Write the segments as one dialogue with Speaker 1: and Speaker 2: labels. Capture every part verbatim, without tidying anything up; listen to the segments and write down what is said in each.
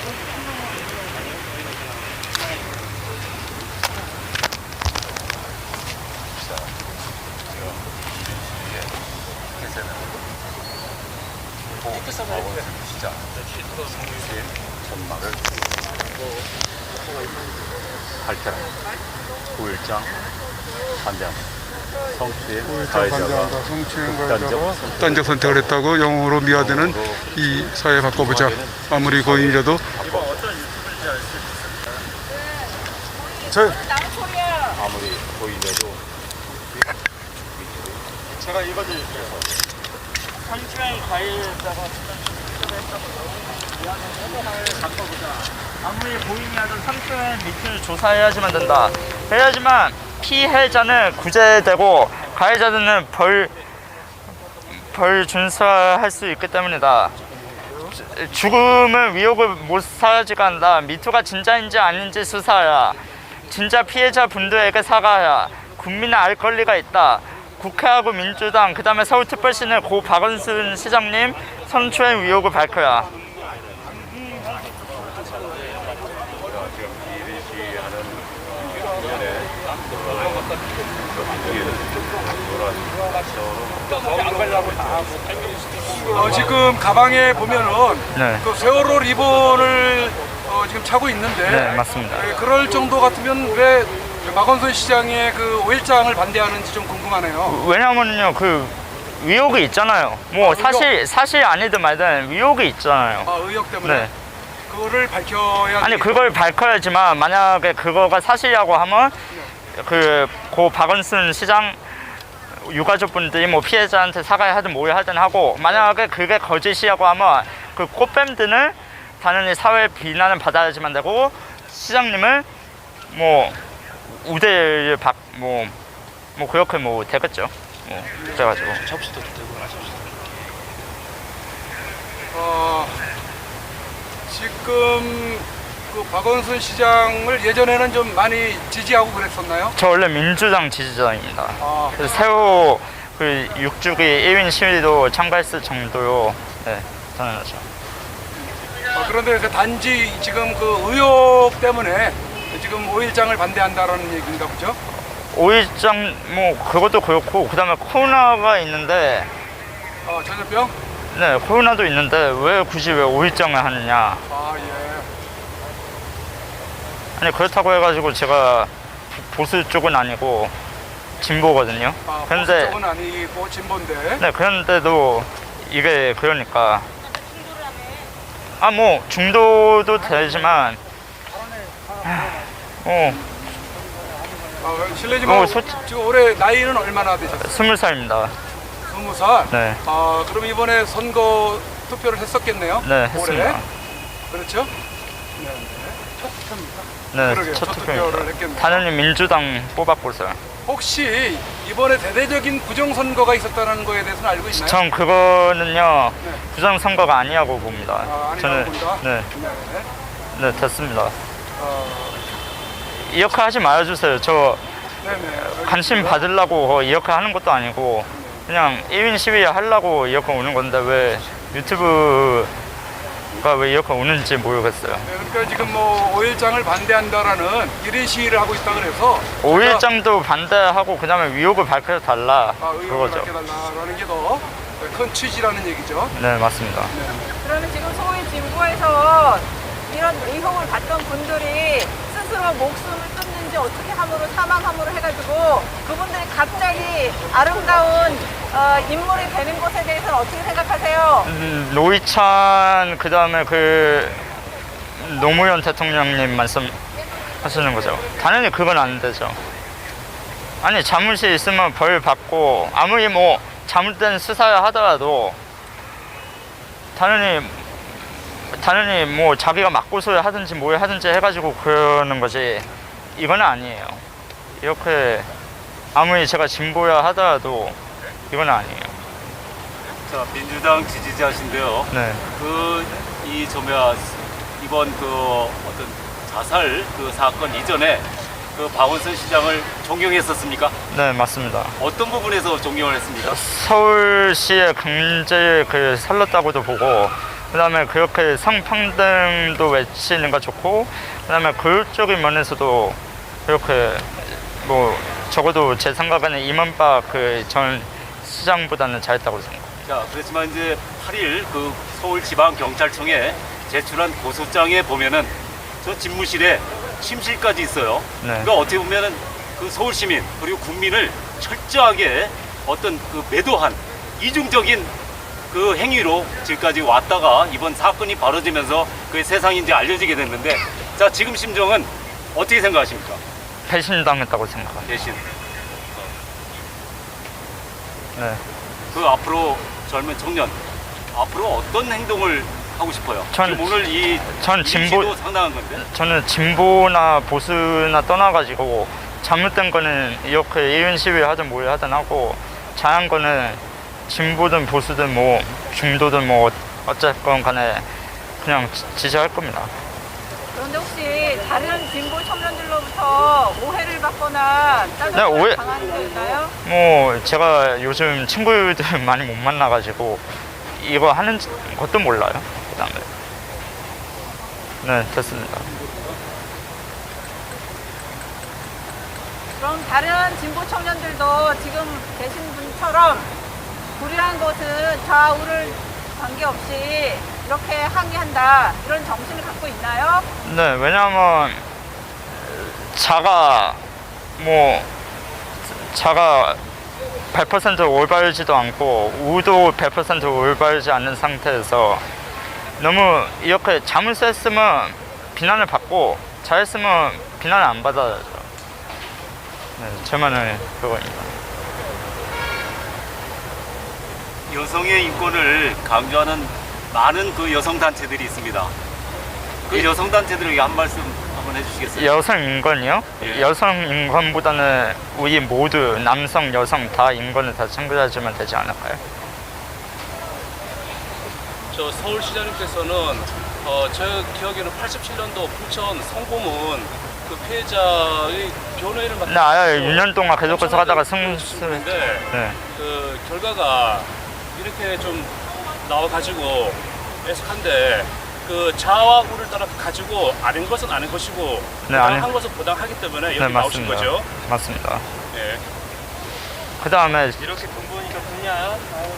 Speaker 1: 시장 성취의 전말을 발표한 구일장 반대한다. 성취의 가해자가 극단적,
Speaker 2: 극단적 선택을 했다고 영웅으로 미화되는 이 사회 바꿔보자. 아무리 고인이라도 저
Speaker 1: 아무리 고인이라도
Speaker 3: 제가 읽어드릴게요. 성추행 가해자가 바꿔보자. 아무리 고인이라도 성추행 밑을 조사해야지만 된다. 해야지만 피해자는 구제되고 가해자들은 벌, 벌 준수할 수 있기 때문이다. 죽음은 위협을 못 사지가 한다. 미투가 진짜인지 아닌지 수사하라. 진짜 피해자 분들에게 사과하라. 국민은 알 권리가 있다. 국회하고 민주당, 그 다음에 서울특별시는 고 박원순 시장님 성추행 의혹을 밝혀라.
Speaker 2: 어, 지금 가방에 보면은
Speaker 3: 네.
Speaker 2: 그 세월호 리본을 어, 지금 차고 있는데
Speaker 3: 네, 맞습니다.
Speaker 2: 네, 그럴 정도 같으면 왜 박원순 시장의 그 오일장을 반대하는지 좀 궁금하네요.
Speaker 3: 왜냐면요, 그 의혹이 있잖아요. 뭐
Speaker 2: 아,
Speaker 3: 사실 사실 아니든 말든 의혹이 있잖아요.
Speaker 2: 아, 의혹 때문에
Speaker 3: 네.
Speaker 2: 그거를 밝혀야
Speaker 3: 아니
Speaker 2: 되겠-
Speaker 3: 그걸 밝혀야지만 만약에 그거가 사실이라고 하면 그 고 박원순 시장 유가족분들이 뭐 피해자한테 사과하든 뭘 하든 하고, 만약에 그게 거짓이라고 하면 그 꽃뱀들은 당연히 사회 비난을 받아야지만 되고, 시장님은 뭐 우대를 받 뭐 뭐 그렇게 뭐 되겠죠. 뭐 그래가지고
Speaker 1: 접시도 되고
Speaker 2: 어, 지금 그 박원순 시장을 예전에는 좀 많이 지지하고 그랬었나요?
Speaker 3: 저 원래 민주당 지지자입니다.
Speaker 2: 아,
Speaker 3: 그래서 세호 그 육주기 일 인 시위도 참가했을 정도로 네, 당연하죠.
Speaker 2: 어, 그런데 그 단지 지금 그 의혹 때문에 지금 오일장을 반대한다라는 얘기인가 보죠?
Speaker 3: 오일장 뭐 그것도 그렇고, 그 다음에 코로나가 있는데,
Speaker 2: 어, 전염병?
Speaker 3: 네 코로나도 있는데 왜 굳이 왜 오일장을 하느냐.
Speaker 2: 아, 예.
Speaker 3: 아니 그렇다고 해가지고 제가 보수 쪽은 아니고 진보거든요.
Speaker 2: 아,
Speaker 3: 그런데
Speaker 2: 보수 쪽은 아니고 진보인데.
Speaker 3: 네 그런데도 이게 그러니까 아 뭐 중도도 되지만 어
Speaker 2: 아, 실례지만
Speaker 3: 어, 솔직-
Speaker 2: 지금 올해 나이는 얼마나 되셨어요?
Speaker 3: 스물 살입니다.
Speaker 2: 스무 살?
Speaker 3: 네.
Speaker 2: 아, 그럼 이번에 선거 투표를 했었겠네요?
Speaker 3: 네
Speaker 2: 올해?
Speaker 3: 했습니다.
Speaker 2: 그렇죠? 네. 첫 투표입니다.
Speaker 3: 네
Speaker 2: 그러게요.
Speaker 3: 첫
Speaker 2: 첫
Speaker 3: 투표입니다.
Speaker 2: 투표를 했겠네요.
Speaker 3: 당연히 민주당 뽑았고서요.
Speaker 2: 혹시 이번에 대대적인 부정선거가 있었다는 거에 대해서는 알고 있나요?
Speaker 3: 전 그거는요
Speaker 2: 네.
Speaker 3: 부정선거가 아니라고 봅니다.
Speaker 2: 아, 아니라고
Speaker 3: 저는
Speaker 2: 본다?
Speaker 3: 네,
Speaker 2: 네.
Speaker 3: 네 됐습니다.
Speaker 2: 어,
Speaker 3: 이렇게 하지 말아주세요. 저
Speaker 2: 네네.
Speaker 3: 관심 받으려고 이렇게 하는 것도 아니고 그냥 일 인 시위 하려고 이렇게 오는 건데 왜 유튜브가 왜 이렇게 오는지 모르겠어요.
Speaker 2: 네, 그러니까 지금 뭐 오일장을 반대한다라는 일 인 시위를 하고 있다 그래서
Speaker 3: 오일장도 반대하고 그 다음에 의혹을 밝혀달라
Speaker 2: 아, 의혹을
Speaker 3: 그거죠.
Speaker 2: 밝혀달라는 게 더 큰 취지라는 얘기죠.
Speaker 3: 네 맞습니다.
Speaker 4: 그러면 지금 소위 진보에서 이런 의혹을 받던 분들이 스스로 목숨을 끊는지 어떻게 함으로 사망 함으로 해가지고 그분들이 갑자기 아름다운 어, 인물이 되는 것에 대해서는 어떻게 생각하세요?
Speaker 3: 음, 노회찬 그 다음에 그 노무현 대통령님 말씀하시는 거죠. 당연히 그건 안 되죠. 아니 잘못이 있으면 벌 받고, 아무리 뭐 잘못된 수사를 하더라도 당연히 당연히 뭐 자기가 맞고소를 하든지 뭘 하든지 해가지고 그러는 거지, 이건 아니에요. 이렇게 아무리 제가 진보야 하더라도 이건 아니에요.
Speaker 5: 자, 민주당 지지자신데요.
Speaker 3: 네.
Speaker 5: 그 이 저뭐야 이번 그 어떤 자살 그 사건 이전에 그 박원순 시장을 존경했었습니까?
Speaker 3: 네 맞습니다.
Speaker 5: 어떤 부분에서 존경을 했습니까?
Speaker 3: 서울시의 강제 그 살렸다고도 보고, 그다음에 그렇게 성평등도 외치는 거 좋고, 그다음에 교육적인 면에서도 그렇게 뭐 적어도 제 생각에는 이명박 그 전 시장보다는 잘했다고 생각합니다.
Speaker 5: 자, 그렇지만 이제 팔 일 그 서울지방경찰청에 제출한 고소장에 보면은 저 집무실에 침실까지 있어요.
Speaker 3: 네.
Speaker 5: 그러니까 어떻게 보면은 그 서울 시민 그리고 국민을 철저하게 어떤 그 매도한 이중적인 그 행위로 지금까지 왔다가 이번 사건이 벌어지면서 그 세상이 이제 알려지게 됐는데, 자, 지금 심정은 어떻게 생각하십니까?
Speaker 3: 배신당했다고 생각합니다.
Speaker 5: 대신
Speaker 3: 네.
Speaker 5: 그 앞으로 젊은 청년 앞으로 어떤 행동을 하고 싶어요?
Speaker 3: 전-
Speaker 5: 지금 오늘 이
Speaker 3: 전 진보-
Speaker 5: 이미지도 상당한 건데.
Speaker 3: 저는 진보나 보수나 떠나가지고 잘못된 거는 이렇게 이윤 시위 하든 뭘 하든 하고, 잘한 거는 진보든 보수든 뭐 중도든 뭐 어쨌건 간에 그냥 지- 지지할 겁니다.
Speaker 4: 그런데 혹시 다른 진보 청년들로부터 오해를 받거나
Speaker 3: 네,
Speaker 4: 짜증을
Speaker 3: 오해-
Speaker 4: 당하는 게 있나요?
Speaker 3: 뭐 제가 요즘 친구들 많이 못 만나가지고 이거 하는 것도 몰라요. 그다음에 네, 됐습니다.
Speaker 4: 그럼 다른 진보 청년들도 지금 계신 분처럼 불의한 것은 좌우를 관계없이 이렇게 항의한다, 이런 정신을 갖고 있나요?
Speaker 3: 네, 왜냐하면 자가 뭐 자가 백 퍼센트 올바르지도 않고 우도 백 퍼센트 올바르지 않는 상태에서 너무 이렇게 잘못했으면 비난을 받고 잘했으면 비난을 안 받아야죠. 네, 제 말은 그거입니다.
Speaker 5: 여성의 인권을 강조하는 많은 그 여성 단체들이 있습니다. 그
Speaker 3: 예.
Speaker 5: 여성 단체들에게 한 말씀 한번 해주시겠어요?
Speaker 3: 여성 인권이요?
Speaker 5: 예.
Speaker 3: 여성 인권보다는 우리 모두 남성, 여성 다 인권을 다 챙겨주면 되지 않을까요?
Speaker 6: 저 서울시장님께서는 어, 제 기억에는 팔십칠 년도 부천 성범은 그 피해자의 변호인을 맡은
Speaker 3: 네, 아예 육 년 동안 계속해서 하다가 승,
Speaker 6: 승인데
Speaker 3: 네.
Speaker 6: 그 결과가 이렇게 좀 나와가지고 애석한데, 그 자와 우를 따라 가지고 아닌 것은 아닌 것이고
Speaker 3: 네,
Speaker 6: 부당한
Speaker 3: 아니-
Speaker 6: 것은 부당하기 때문에
Speaker 3: 네,
Speaker 6: 여기 나오신
Speaker 3: 맞습니다.
Speaker 6: 거죠.
Speaker 3: 맞습니다.
Speaker 6: 예.
Speaker 3: 그 다음에
Speaker 6: 이렇게 돈 버니까 좋냐?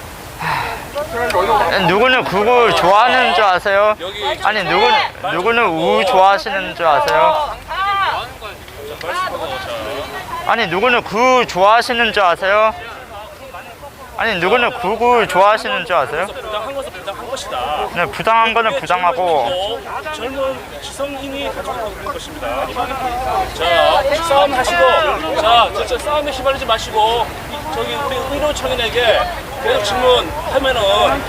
Speaker 3: 누구는 국을 좋아하는 줄 아세요?
Speaker 6: 여기
Speaker 3: 아니 누구 누구는 우 좋아하시는 줄 아세요?
Speaker 6: 말씀하고 자.
Speaker 3: 아니 누구는 구 좋아하시는 줄 아세요? 아니 누구는 구구 좋아하시는 줄 아세요?
Speaker 6: 부당한 것은 부당한 것이다.
Speaker 3: 네, 부당한 거는 부당하고
Speaker 6: 젊은, 젊은 지성인이 가지고 있는 것입니다. 자, 싸움 하시고, 자, 진짜 싸움에 휘말리지 마시고, 저기 우리 의료 청년에게 계속 질문하면은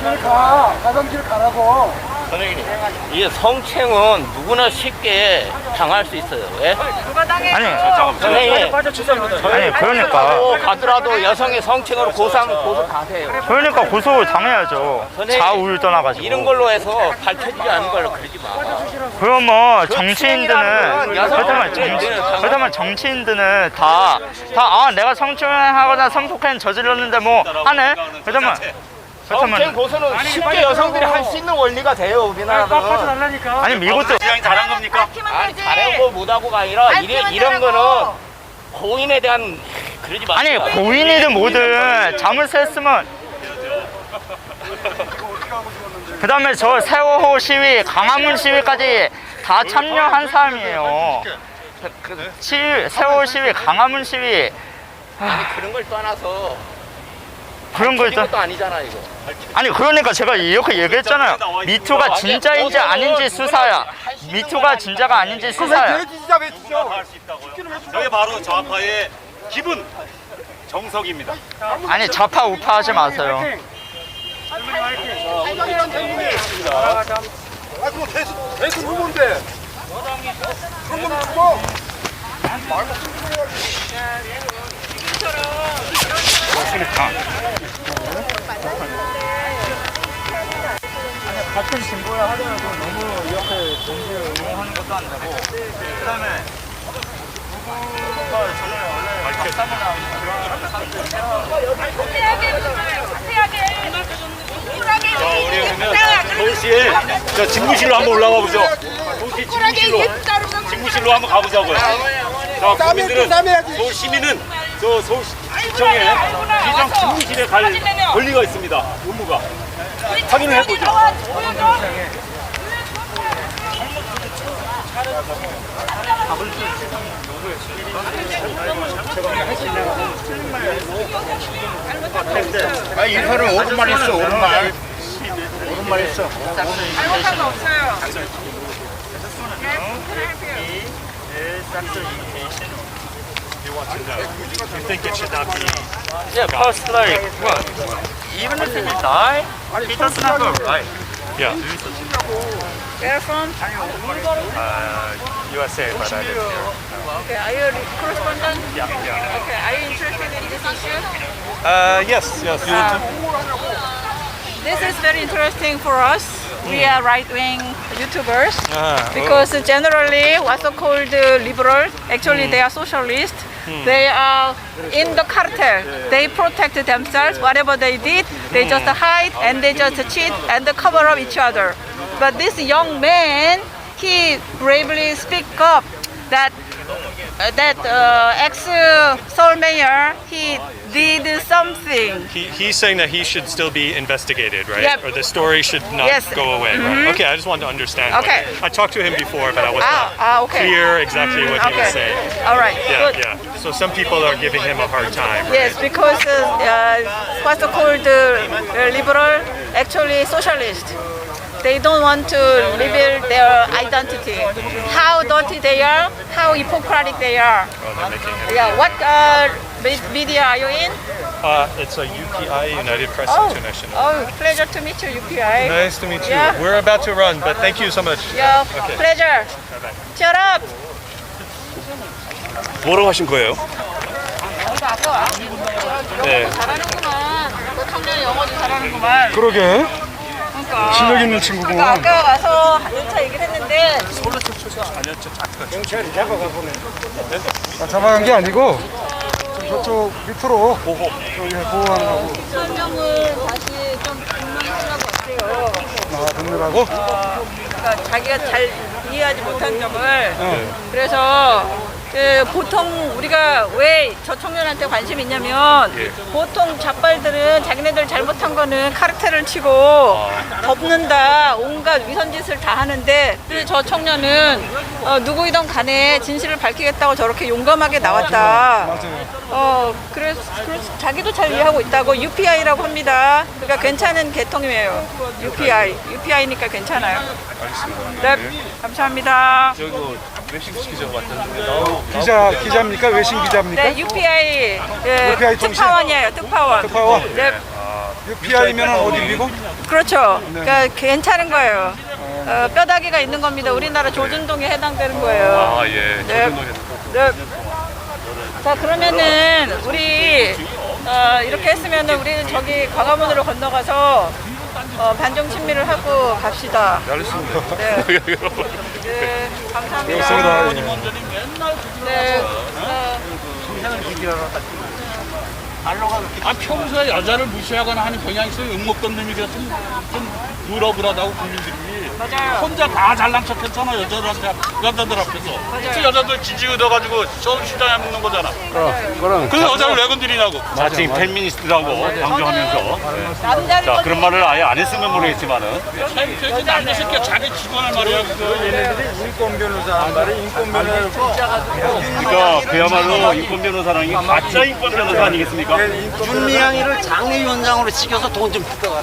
Speaker 7: 선생님, 이 성추행은 누구나 쉽게 당할 수 있어요. 왜?
Speaker 4: 누가 당해?
Speaker 3: 아니
Speaker 7: 선생님,
Speaker 6: 빠져 죄송합니다.
Speaker 3: 아니 그러니까
Speaker 7: 가도 가더라도 여성의 성추행으로 고소하면 고소 가세요.
Speaker 3: 그러니까 고소 당해야죠.
Speaker 7: 선생님,
Speaker 3: 좌우를 떠나가지고.
Speaker 7: 이런 걸로 해서 밝혀지지 않은 걸로 그러지 마.
Speaker 3: 그럼 뭐 정치인들은
Speaker 7: 그 여성-
Speaker 3: 그렇다면 정치 그렇다면 정치인들은 다 다 아 내가 성추행하거나 성폭행 저질렀는데 뭐 하네. 그렇다면
Speaker 7: 성추행
Speaker 3: 그렇다면
Speaker 7: 고소는 쉽게 여성들이 할 수 있는 원리가 돼요, 우리나라는.
Speaker 3: 아니 미국도
Speaker 5: 시장이 잘한 겁니까?
Speaker 4: 밝히면
Speaker 7: 아니,
Speaker 4: 되지.
Speaker 7: 잘하고 못하고가 아니라 이래,
Speaker 4: 밝히면
Speaker 7: 이런
Speaker 4: 되라고.
Speaker 7: 거는 고인에 대한 그러지 마.
Speaker 3: 아니 고인이든 뭐든 잘못했으면 그 다음에 저 세월호 시위 강화문 시위까지 다 참여한 사람이에요. 그 시위, 세월호 시위 강화문 시위
Speaker 7: 아니 그런 걸 떠나서
Speaker 3: 그런 거 있잖아.
Speaker 7: 것도 아니잖아 이거.
Speaker 3: 아니 그러니까 제가 이렇게 얘기했잖아요. 미투가 진짜인지 아닌지 수사야. 미투가 진짜가 아닌지 수사야.
Speaker 5: 할 수 있다고요? 저게 바로 좌파의 기분 정석입니다.
Speaker 3: 아니 좌파 우파 하지 마세요.
Speaker 2: 대수 후보인데.
Speaker 3: 같은 진보야 하더라도 너무 이렇게 정치를 옹호하는 것도 안 되고 그다음에 누구가 저는 원래
Speaker 5: 우리 그러면 서울시에 저 집무실로 한번 올라가 보죠. 서울시 집무실로 집무실로 한번 가보자고요. 자, 국민들은 서울 시민은 저 서울시청에 시장 집무실에 갈 권리가 있습니다. 의무가 확인을 해보죠.
Speaker 1: 아, 이 사람 오른말 있어, 오른말. 오른말 있어.
Speaker 4: 잘못한 거 없어요.
Speaker 1: You think it should not be?
Speaker 3: Yeah, plus like what? Even if he die, he doesn't have a right.
Speaker 1: Yeah.
Speaker 4: Where from?
Speaker 1: Uh, U S A, but I live here.
Speaker 4: Okay, are you a correspondent?
Speaker 1: Yeah, yeah.
Speaker 4: Okay, are you interested in this issue?
Speaker 1: Uh, yes, yes.
Speaker 4: Um, this is very interesting for us. We are right-wing YouTubers because generally what's called uh, liberal, actually they are socialist. They are in the cartel. They protect themselves. Whatever they did, they just hide and they just cheat and cover up each other. But this young man, he bravely speak up that uh, that uh, ex-Seoul mayor, he did something.
Speaker 8: He, he's saying that he should still be investigated, right?
Speaker 4: Yep.
Speaker 8: Or the story should not
Speaker 4: Yes.
Speaker 8: go away, right? Okay, I just wanted to understand. what-
Speaker 4: Okay.
Speaker 8: I talked to him before, but I was
Speaker 4: Ah,
Speaker 8: not
Speaker 4: ah, okay.
Speaker 8: clear exactly what he was
Speaker 4: Okay.
Speaker 8: saying.
Speaker 4: All right.
Speaker 8: Yeah,
Speaker 4: Good.
Speaker 8: yeah. So some people are giving him a hard time, right?
Speaker 4: Yes, because uh, uh, what's called uh, liberal, actually socialist. They don't want to reveal their identity. How dirty they are, how hypocritic they are.
Speaker 8: Oh, they're making him.
Speaker 4: Yeah, what uh, me- media are you in?
Speaker 8: Uh, it's a U P I, United Press
Speaker 4: Oh,
Speaker 8: International.
Speaker 4: oh, pleasure to meet you, U P I.
Speaker 8: Nice to meet you.
Speaker 4: Yeah.
Speaker 8: We're about to run, but thank you so much.
Speaker 4: Yeah,
Speaker 8: Okay.
Speaker 4: pleasure. Shut up.
Speaker 8: 뭐라고 하신 거예요? 네.
Speaker 4: 잘하는구만. 너 청년 영어도 잘하는구만.
Speaker 2: 그러게.
Speaker 4: 그러니까.
Speaker 2: 실력 있는 친구구만.
Speaker 4: 그러니까 아까 와서 한차 얘기를 했는데
Speaker 2: 아, 잡아간 게 아니고 좀 저쪽 밑으로 보호. 저기 보호하는 거고.
Speaker 4: 설명을 다시 좀 분명하려고 어때요?
Speaker 2: 아, 듣느라고?
Speaker 4: 그러니까 자기가 잘 이해하지 못한 점을 그래서 그 보통 우리가 왜 저 청년한테 관심이 있냐면 보통 잡발들은 자기네들 잘못한 거는 카르텔을 치고 덮는다 온갖 위선짓을 다 하는데 저 청년은 어, 누구이든 간에 진실을 밝히겠다고 저렇게 용감하게 나왔다.
Speaker 2: 맞아요.
Speaker 4: 어 그래서, 그래서 자기도 잘 이해하고 있다고 유피아이라고 합니다. 그러니까 괜찮은 계통이에요. 유피아이 유피아이니까 괜찮아요. 네, 감사합니다.
Speaker 2: 기자, 기자입니까? 외신 기자입니까?
Speaker 4: 네, 유피아이 예,
Speaker 2: 유피아이 통신?
Speaker 4: 특파원이에요. 특파원.
Speaker 2: 특파원?
Speaker 4: 네,
Speaker 2: 유피아이면 어디 미국?
Speaker 4: 그렇죠. 그러니까 괜찮은 거예요. 어, 뼈다귀가 있는 겁니다. 우리나라 조준동에 해당되는 거예요.
Speaker 5: 아, 예.
Speaker 4: 네. 네. 자 그러면은 우리 어, 이렇게 했으면은 우리 저기 광화문으로 건너가서 어, 반정 친미를 하고 갑시다.
Speaker 8: 알겠습니다.
Speaker 4: 네. 네, 감사합니다. 네. 어,
Speaker 6: 아, 평소에 여자를 무시하거나 하는 경향이 있어요. 욕먹던 놈이라서 좀, 좀 누러불하다고 국민들이.
Speaker 4: 맞아요.
Speaker 6: 혼자 다 잘난 척했잖아, 여자들한테, 여자들 앞에서. 그래서 여자들 지지 얻어가지고 서울시장에 먹는 거잖아.
Speaker 2: 그럼.
Speaker 6: 그래서 여자를 왜 건드리냐고.
Speaker 5: 자칭 페미니스트라고 강조하면서.
Speaker 4: 남자를
Speaker 5: 자, 그런 말을 아예 안 했으면 모르겠지만은.
Speaker 6: 그 남자 새끼가 자기 직원을 말이야.
Speaker 2: 인권 변호사 말이 인권 변호사.
Speaker 5: 그러니까 그야말로 인권 변호사라는 게 가짜 인권 변호사 아니겠습니까?
Speaker 9: 윤미향이를 장례위원장으로 시켜서 돈 좀 뜯어가라.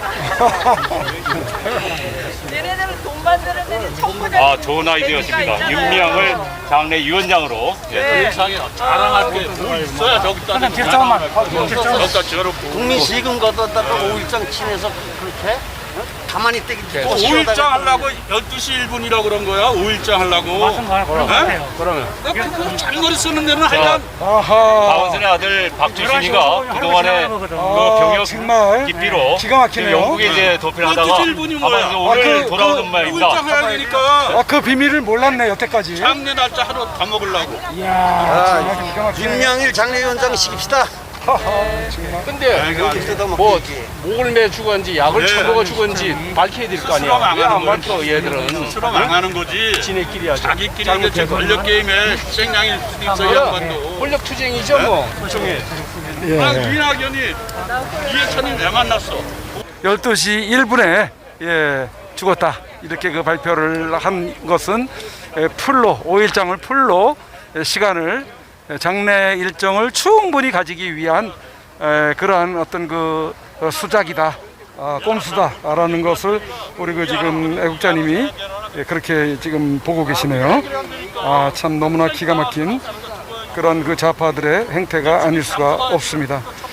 Speaker 4: 얘네들은 돈 만드는 데는 청구자.
Speaker 5: 아, 좋은 아이디어십니다. 윤미향을 장례 위원장으로. 예.
Speaker 6: 세상에 자랑할 게 뭐 있어야 저기다. 결정만. 저기다 저렇고.
Speaker 9: 국민 세금 걷었다가 오일장 친해서 그렇게 어? 가만히 떼기
Speaker 1: 또 오 일장 하려고 열두 시 일 분이라고 그런 거야? 오 일장 하려고? 그러면 그러면 그 장거리 쓰는 데는 하여간
Speaker 5: 박원순의 아들 박주신이가 그동안에 그 병역
Speaker 2: 정말
Speaker 5: 기피로
Speaker 2: 기가 막히네요.
Speaker 5: 영국에 이제 도피를 하다가
Speaker 1: 열두 시 일 분이 뭐야?
Speaker 5: 아마 오늘
Speaker 2: 아, 그-
Speaker 5: 돌아오는
Speaker 1: 오
Speaker 5: 말입니다.
Speaker 1: 일장 해야 되니까
Speaker 2: 아, 그 비밀을 몰랐네 여태까지.
Speaker 1: 장례 날짜 하루 다 먹으려고.
Speaker 2: 이야, 정말 기가 막히네.
Speaker 9: 윤영일 장례위원장 시킵시다.
Speaker 6: 근데
Speaker 9: 뜯어먹기.
Speaker 6: 뭐 목을 매 죽었는지 약을
Speaker 1: 네.
Speaker 6: 처먹어 죽었는지 밝혀야 될 거
Speaker 1: 스스로
Speaker 6: 아니야. 왜 안
Speaker 1: 망하는
Speaker 6: 밝혀
Speaker 1: 거지.
Speaker 6: 얘들은.
Speaker 1: 스스로 망하는 거지.
Speaker 6: 지네끼리 하죠.
Speaker 1: 자기끼리 이게
Speaker 6: 잘못해서.
Speaker 1: 권력 게임에 희생양일 수도 있어 이
Speaker 6: 그럼
Speaker 1: 양반도.
Speaker 6: 권력 투쟁이죠 뭐.
Speaker 2: 예.
Speaker 1: 아, 이낙연이 이해찬이 왜 만났어?
Speaker 2: 열두 시 일 분에 예, 죽었다 이렇게 그 발표를 한 것은 예, 풀로 오 일장을 풀로 예, 시간을 예, 장례 일정을 충분히 가지기 위한 에, 그러한 어떤 그 어, 수작이다, 아, 꼼수다라는 것을 우리 그 지금 애국자님이 예, 그렇게 지금 보고 계시네요. 아, 참 너무나 기가 막힌 그런 그 좌파들의 행태가 아닐 수가 없습니다.